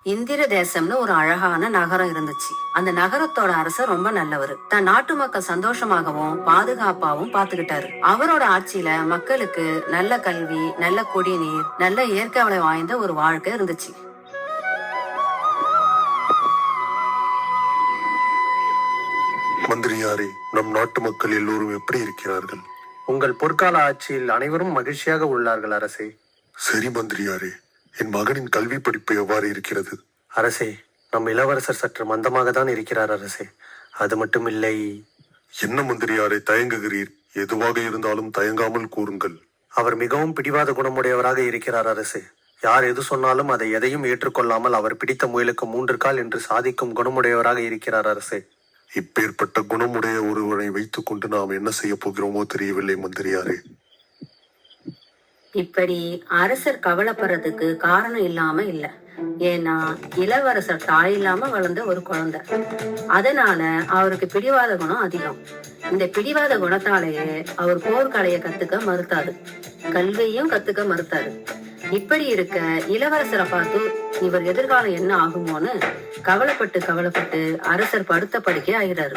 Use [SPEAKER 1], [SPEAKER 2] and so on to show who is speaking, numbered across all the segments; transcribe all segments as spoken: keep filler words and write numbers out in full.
[SPEAKER 1] இந்திர தேசம்னு ஒரு அழகான நகரம் இருந்துச்சு. அந்த நகரத்தோட அரசர் ரொம்ப நல்லவர். தன் நாட்டு மக்கள் சந்தோஷமாகவும் பாதுகாப்பாவும் பாத்துக்கிட்டாரு. அவரோட ஆட்சியில மக்களுக்கு நல்ல கல்வி, நல்ல குடிநீர், நல்ல இயற்கை வளம் வாய்ந்த ஒரு வாழ்க்கை இருந்துச்சு.
[SPEAKER 2] மந்திரியாரே, நம் நாட்டு மக்கள் எல்லோரும் எப்படி இருக்கிறார்கள்?
[SPEAKER 3] உங்கள் பொற்கால ஆட்சியில் அனைவரும் மகிழ்ச்சியாக உள்ளார்கள் அரசே.
[SPEAKER 2] சரி மந்திரியாரே, என் மகனின் கல்வி படிப்பு எவ்வாறு இருக்கிறது?
[SPEAKER 3] அரசே, நம் இளவரசர் சற்று மந்தமாக தான் இருக்கிறார் அரசே. அது மட்டும் இல்லை.
[SPEAKER 2] என்ன மந்திரியாரே தயங்குகிறீர்? எதுவாக இருந்தாலும் தயங்காமல் கூறுங்கள்.
[SPEAKER 3] அவர் மிகவும் பிடிவாத குணமுடையவராக இருக்கிறார் அரசே. யார் எது சொன்னாலும் அதை எதையும் ஏற்றுக்கொள்ளாமல் அவர் பிடித்த முயலுக்கு மூன்று கால் என்று சாதிக்கும் குணமுடையவராக இருக்கிறார் அரசே.
[SPEAKER 2] இப்பேற்பட்ட குணமுடைய ஒருவரை வைத்துக் கொண்டு நாம் என்ன செய்ய போகிறோமோ தெரியவில்லை மந்திரியாரே.
[SPEAKER 1] இப்படி அரசர் கவலைப்படுறதுக்கு காரணம் இல்லாம இல்ல. ஏன்னா இளவரசர் தாய் இல்லாம வளர்ந்த ஒரு குழந்தை. அதனால அவருக்கு பிடிவாத குணம் அதிகம். இந்த பிடிவாத குணத்தாலேயே அவர் போர்க்கலைய கத்துக்க மறுத்தாரு, கல்வியும் கத்துக்க மறுத்தாரு. இப்படி இருக்க இளவரசரை பார்த்து இவர் எதிர்காலம் என்ன ஆகுமோன்னு கவலைப்பட்டு கவலைப்பட்டு அரசர் படுத்த படுக்கை ஆகிறாரு.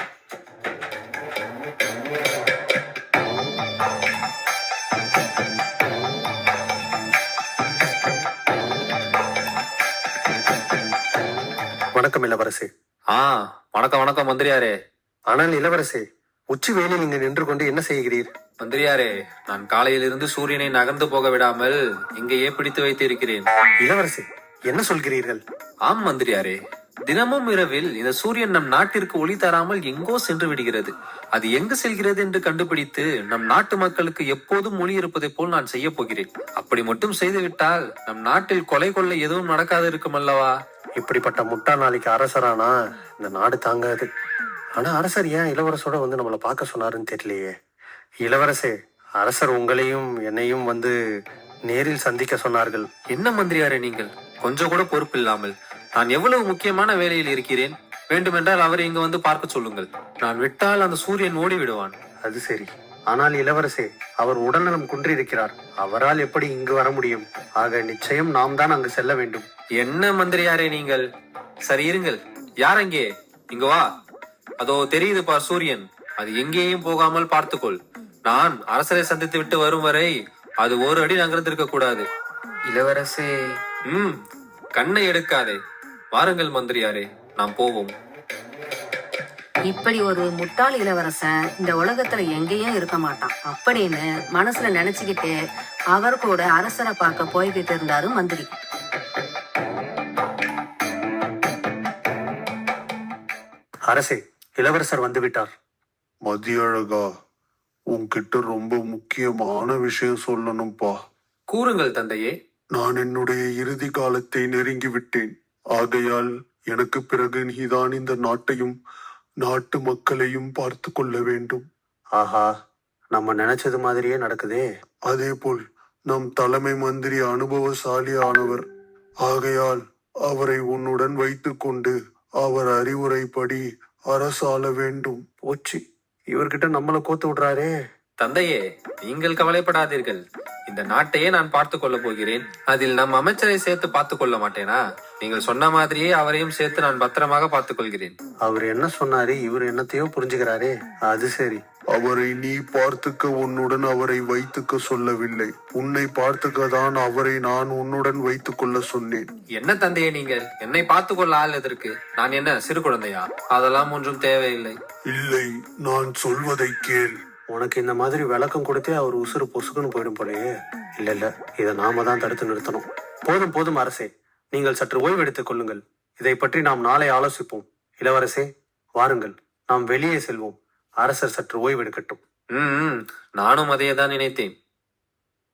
[SPEAKER 3] வணக்கம் இளவரசே.
[SPEAKER 4] ஆ வணக்கம் வணக்கம் மந்திரியாரே.
[SPEAKER 3] ஆனால் இளவரசே, உச்சி வேலை நீங்க நின்று கொண்டு என்ன செய்கிறீர்?
[SPEAKER 4] மந்திரியாரே, நான் காலையிலிருந்து சூரியனை நகர்ந்து போக விடாமல் இங்கேயே பிடித்து வைத்து இருக்கிறேன்.
[SPEAKER 3] இளவரசே, என்ன சொல்கிறீர்கள்?
[SPEAKER 4] ஆம் மந்திரியாரே, தினமும் இரவில் இந்த சூரியன் நம் நாட்டிற்கு ஒளி தராமல் எங்கோ சென்று விடுகிறது. அது எங்கு செல்கிறது என்று கண்டுபிடித்து நம் நாட்டு மக்களுக்கு எப்போதும் ஒளி இருப்பதை போல் நான் செய்ய போகிறேன். அப்படி மட்டும் செய்துவிட்டால் நம் நாட்டில் கொலை கொள்ளை எதுவும் நடக்காது இருக்கும் அல்லவா?
[SPEAKER 3] இப்படிப்பட்ட முட்டா நாளைக்கு அரசரானா இந்த நாடு தாங்காது. ஆனா அரசர் ஏன் இளவரசோட வந்து நம்மளை பார்க்க சொன்னாருன்னு தெரியலையே. இளவரசே, அரசர் உங்களையும் என்னையும் வந்து நேரில் சந்திக்க சொன்னார்கள்.
[SPEAKER 4] என்ன மந்திரியாரே நீங்கள், கொஞ்சம் கூட பொறுப்பு இல்லாமல். நான் எவ்வளவு முக்கியமான வேலையில் இருக்கிறேன். வேண்டுமென்றால் அவரை இங்கு வந்து பார்க்க சொல்லுங்கள். நான் விட்டால் அந்த சூரியன் ஓடி விடுவான்.
[SPEAKER 3] அது சரி. ஆனால் இளவரசே, அவர் உடல்நலம் குன்றிருக்கிறார். அவரால் எப்படி இங்கு வர முடியும்? ஆக நிச்சயம் நாம் தான் அங்கு செல்ல வேண்டும்.
[SPEAKER 4] என்ன மந்திரியாரே நீங்கள்? சரி இருங்கள். யார் அங்கே? இங்க வா. அதோ தெரியுது பார் சூரியன். அது எங்கேயும் போகாமல் பார்த்துக்கொள். நான் அரசரை சந்தித்து விட்டு வரும் வரை அது ஒரு அடி நகர்ந்திருக்க கூடாது.
[SPEAKER 5] இளவரசே.
[SPEAKER 4] ம் கண்ணை எடுக்காதே. வாருங்கள் மந்திரியாரே, நாம் போவோம்.
[SPEAKER 1] இப்படி ஒரு முட்டாள் இளவரசன் இந்த உலகத்துல எங்கேயும் இருக்க மாட்டான் அப்படின்னு மனசுல நினைச்சுக்கிட்டே அவர் கூட அரசரை பார்க்க போய்கிட்டு இருந்தாரு மந்திரி.
[SPEAKER 3] அரசே, இளவரசர் வந்து விட்டார்.
[SPEAKER 2] மதியழகா, உன்கிட்ட ரொம்ப முக்கியமான விஷயம் சொல்லணும்பா.
[SPEAKER 4] கூறுங்கள் தந்தையே.
[SPEAKER 2] நான் என்னுடைய இறுதி காலத்தை நெருங்கி விட்டேன். ஆகையால் எனக்கு பிறகு நீதான் இந்த நாட்டையும் நாட்டு மக்களையும் பார்த்து கொள்ள வேண்டும்.
[SPEAKER 3] ஆஹா, நம்ம நினைச்சது மாதிரியே நடக்குதே.
[SPEAKER 2] அதே போல் நம் தலைமை மந்திரி அனுபவசாலி ஆனவர். ஆகையால் அவரை உன்னுடன் வைத்துக் கொண்டு அவர் அறிவுரைப்படி அரசாள வேண்டும்.
[SPEAKER 3] போச்சு, இவர்கிட்ட நம்மள கோத்து விடுறாரே.
[SPEAKER 4] தந்தையே, நீங்கள் கவலைப்படாதீர்கள். இந்த நாட்டையே நான் பார்த்து கொள்ள போகிறேன். அதில் நம் அமைச்சரை சேர்த்து பார்த்து கொள்ள மாட்டேனா? நீங்கள் சொன்ன மாதிரியே அவரையும் சேர்த்து நான் பத்திரமாக பார்த்துக் கொள்கிறேன்.
[SPEAKER 3] அவர் என்ன சொன்னாரு? இவர் என்னத்தையோ புரிஞ்சுக்கிறாரே. அது சரி.
[SPEAKER 2] அவரை நீ பார்த்துக்க உன்னுடன் அவரை வைத்துக்க சொல்லவில்லை. உன்னை பார்த்துக்க தான் அவரை நான் உன்னுடன் வைத்துக் கொள்ள சொன்னேன்.
[SPEAKER 4] என்ன தந்தையே நீங்கள்? என்னை பார்த்து கொள்ள ஆள் எதற்கு? நான் என்ன சிறு குழந்தையா? அதெல்லாம் ஒன்றும் தேவையில்லை.
[SPEAKER 2] இல்லை, நான் சொல்வதை கேள்.
[SPEAKER 3] உனக்கு இந்த மாதிரி விளக்கம் கொடுத்தே அவர் உசுறு பொசுக்குன்னு போயிடும் போலயே. இல்ல இல்ல, இதை நாம தான் தடுத்து நிறுத்தணும். போதும் போதும் அரசே, நீங்கள் சற்று ஓய்வு எடுத்துக் கொள்ளுங்கள். இதை பற்றி நாம் நாளை ஆலோசிப்போம். இளவரசே, வாருங்கள், நாம் வெளியே செல்வோம். அரசர் சற்று ஓய்வு எடுக்கட்டும்.
[SPEAKER 4] ம் நானும் அதையே தான் நினைத்தேன்.